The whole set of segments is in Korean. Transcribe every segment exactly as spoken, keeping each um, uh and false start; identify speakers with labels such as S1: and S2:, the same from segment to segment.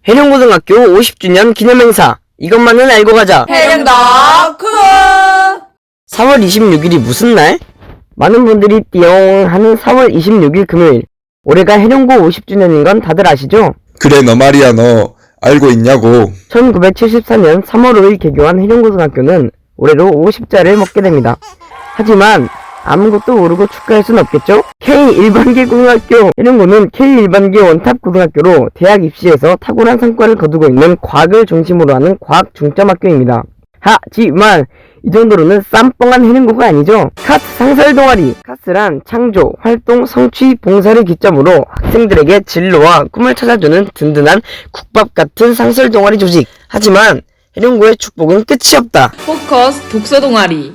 S1: 해룡고등학교 오십 주년 기념행사, 이것만은 알고 가자.
S2: 해룡덕 구독!
S1: 사월 이십육일이 무슨 날? 많은 분들이 띠용 하는 사월 이십육일 금요일. 올해가 해룡고 오십 주년인 건 다들 아시죠?
S3: 그래 너 말이야 너 알고 있냐고.
S1: 천구백칠십사년 삼월 오일 개교한 해룡고등학교는 올해로 오십자를 먹게 됩니다. 하지만 아무것도 모르고 축하할 순 없겠죠? 케이 일반계 고등학교 해룡고는 케이 일반계 원탑 고등학교로 대학 입시에서 탁월한 성과를 거두고 있는 과학을 중심으로 하는 과학 중점학교입니다. 하지만 이 정도로는 쌈뻥한 해룡고가 아니죠. 카스 상설 동아리. 카스란 창조, 활동, 성취, 봉사를 기점으로 학생들에게 진로와 꿈을 찾아주는 든든한 국밥 같은 상설 동아리 조직. 하지만 해룡고의 축복은 끝이 없다.
S2: 포커스 독서 동아리.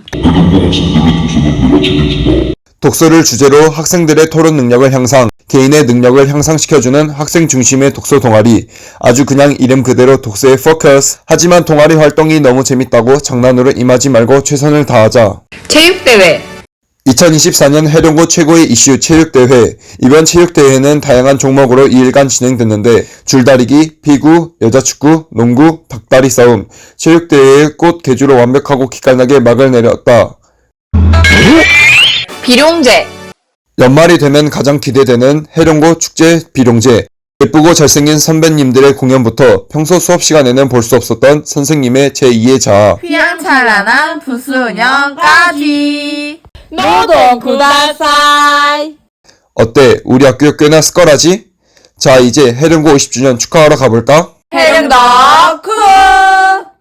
S3: 독서를 주제로 학생들의 토론 능력을 향상, 개인의 능력을 향상시켜주는 학생 중심의 독서 동아리. 아주 그냥 이름 그대로 독서의 포커스. 하지만 동아리 활동이 너무 재밌다고 장난으로 임하지 말고 최선을 다하자.
S2: 체육대회.
S3: 이천이십사년 해룡고 최고의 이슈 체육대회. 이번 체육대회는 다양한 종목으로 이일간 진행됐는데 줄다리기, 피구, 여자축구, 농구, 닭다리 싸움. 체육대회의 꽃 개주로 완벽하고 기깔나게 막을 내렸다.
S2: 비룡제.
S3: 연말이 되면 가장 기대되는 해룡고 축제 비룡제. 예쁘고 잘생긴 선배님들의 공연부터 평소 수업 시간에는 볼 수 없었던 선생님의 제이의 자아.
S2: 휘황찬란한 부수년까지. 노동 구다사이.
S3: 어때? 우리 학교 꽤나 스컬하지? 자 이제 해룡고 오십 주년 축하하러 가볼까?
S2: 해룡덕 구독!